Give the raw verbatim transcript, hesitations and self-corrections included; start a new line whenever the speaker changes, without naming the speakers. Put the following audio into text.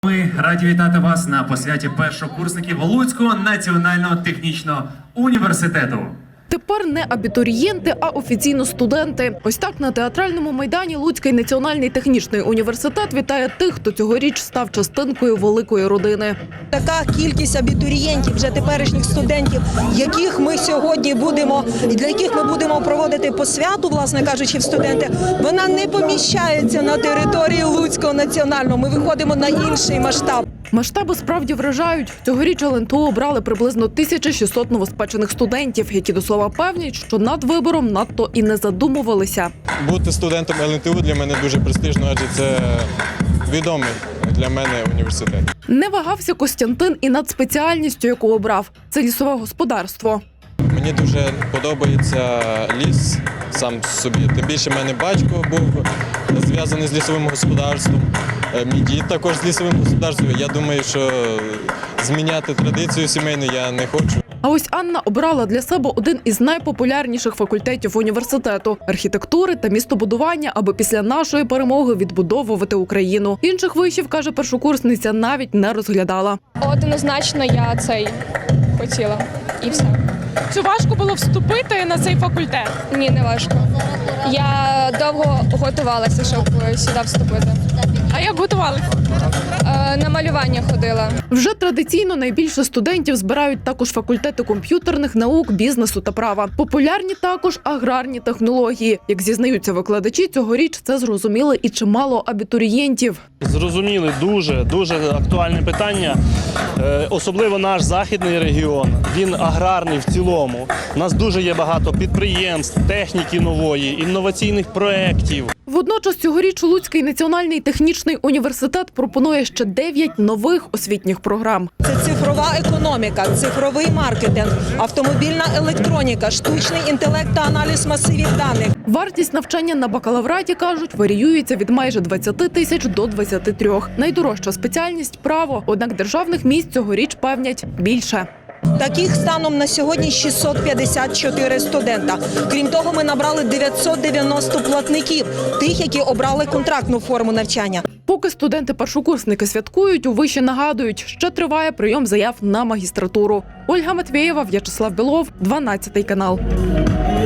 Ми раді вітати вас на посвяті першокурсників Луцького національного технічного університету.
Тепер не абітурієнти, а офіційно студенти. Ось так на театральному майдані Луцький національний технічний університет вітає тих, хто цьогоріч став частинкою великої родини.
Така кількість абітурієнтів, вже теперішніх студентів, яких ми сьогодні будемо, для яких ми будемо проводити посвяту, власне кажучи, в студенти, вона не поміщається на території Луцького національного. Ми виходимо на інший масштаб.
Масштаби справді вражають. Цьогоріч ел ен те у обрали приблизно тисяча шістсот новоспечених студентів, які до слова певнять, що над вибором надто і не задумувалися.
Бути студентом ел ен те у для мене дуже престижно, адже це відомий для мене університет.
Не вагався Костянтин і над спеціальністю, яку обрав – це лісове господарство.
Мені дуже подобається ліс сам собі. Тим більше в мене батько був зв'язаний з лісовим господарством. Мій дід також з лісовим господарством. Я думаю, що зміняти традицію сімейну я не хочу.
А ось Анна обрала для себе один із найпопулярніших факультетів університету – архітектури та містобудування, аби після нашої перемоги відбудовувати Україну. Інших вишів, каже першокурсниця, навіть не розглядала.
Однозначно я цей хотіла. І все.
Чи важко було вступити на цей факультет?
Ні, не важко. Я довго готувалася, щоб сюди вступити.
А як готувалися?
Е, на малювання ходила.
Вже традиційно найбільше студентів збирають також факультети комп'ютерних наук, бізнесу та права. Популярні також аграрні технології. Як зізнаються викладачі, цьогоріч це зрозуміли і чимало абітурієнтів.
Зрозуміли дуже, дуже актуальне питання. Е, особливо наш західний регіон, він аграрний в цілому. У нас дуже є багато підприємств, техніки нової, інноваційних проєктів.
Водночас цьогоріч Луцький національний технічний університет пропонує ще дев'ять нових освітніх програм.
Це цифрова економіка, цифровий маркетинг, автомобільна електроніка, штучний інтелект та аналіз масивів даних.
Вартість навчання на бакалавраті, кажуть, варіюється від майже двадцяти тисяч до двадцяти трьох. Найдорожча спеціальність – право, однак державних місць цьогоріч певнять більше.
Таких станом на сьогодні шістсот п'ятдесят чотири студента. Крім того, ми набрали дев'ятсот дев'яносто платників, тих, які обрали контрактну форму навчання.
Поки студенти-першокурсники святкують, у виші нагадують, ще триває прийом заяв на магістратуру. Ольга Матвєєва, В'ячеслав Білов, дванадцятий канал.